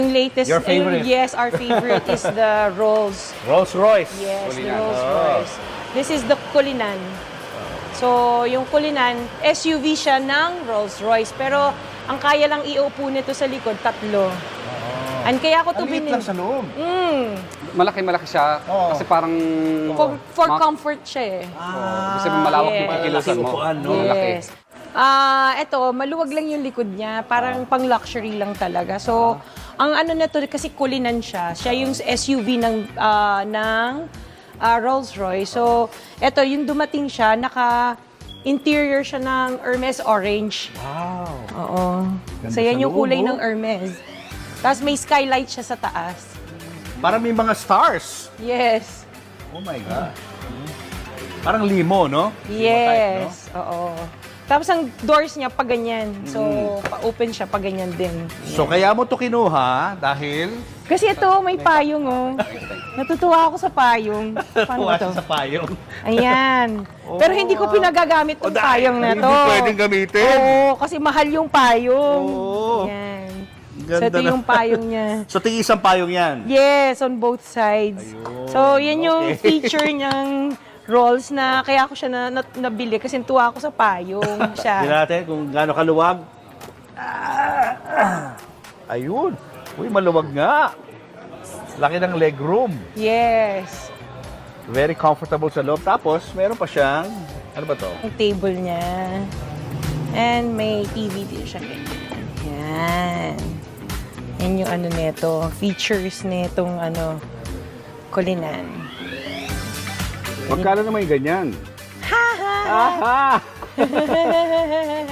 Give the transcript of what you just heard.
Yung latest, Your favorite? yes, our favorite is the Rolls. Rolls-Royce. Yes, the Kulinan. Rolls Oh. Royce. This is the Kulinan. So, yung Kulinan, SUV siya ng Rolls Royce. Pero, ang kaya lang iupo nito sa likod, 3. And kaya ako to Ang liit lang sa loob. Malaki-malaki siya. Oo. Kasi parang... For comfort siya eh. Kasi malawak yung Yes. kikilusan mo. Upuan, no? Malaki. Yes. Ito, maluwag lang yung likod niya. Parang pang luxury lang talaga. So, ang ano na to, kasi Kulinan siya. Siya yung SUV ng Rolls-Royce. So, ito, yung dumating siya, interior siya ng Hermes Orange. Wow. Oo. Ganda So, yan sa yung loob, kulay oh. ng Hermes. Tapos may skylight siya sa taas. Parang may mga stars. Yes. Oh my God. Parang limo, no? Yes. Oo. Tapos ang doors niya pa ganyan. So, pa-open siya pa ganyan din. So kaya mo to kinuha dahil Kasi ito, may payong, oh. Natutuwa ako sa payong. Paano ba tuwa to? siya sa payong. Ayan. Pero hindi ko pinagagamit tong payong na to. Hindi pwedeng gamitin. Oo, kasi mahal yung payong. Oo. Ayan. Ganda So, ito na. yung payong niya. So tig-isang payong yan. Yes, on both sides. Ayun. So, yan yung Okay. feature niyang rolls na kaya ako siya nabili kasi tuwa ako sa payong siya. Tingnan natin kung gaano kaluwag. Ayun. Uy, maluwag nga. Laki ng legroom. Yes. Very comfortable sa loob. Tapos, meron pa siyang, ano ba to? Yung table niya. And may TV din siya. Yan. Yan yung ano nito, features nitong Kulinan. Magkano naman yung ganyan? Ha ha! Aha!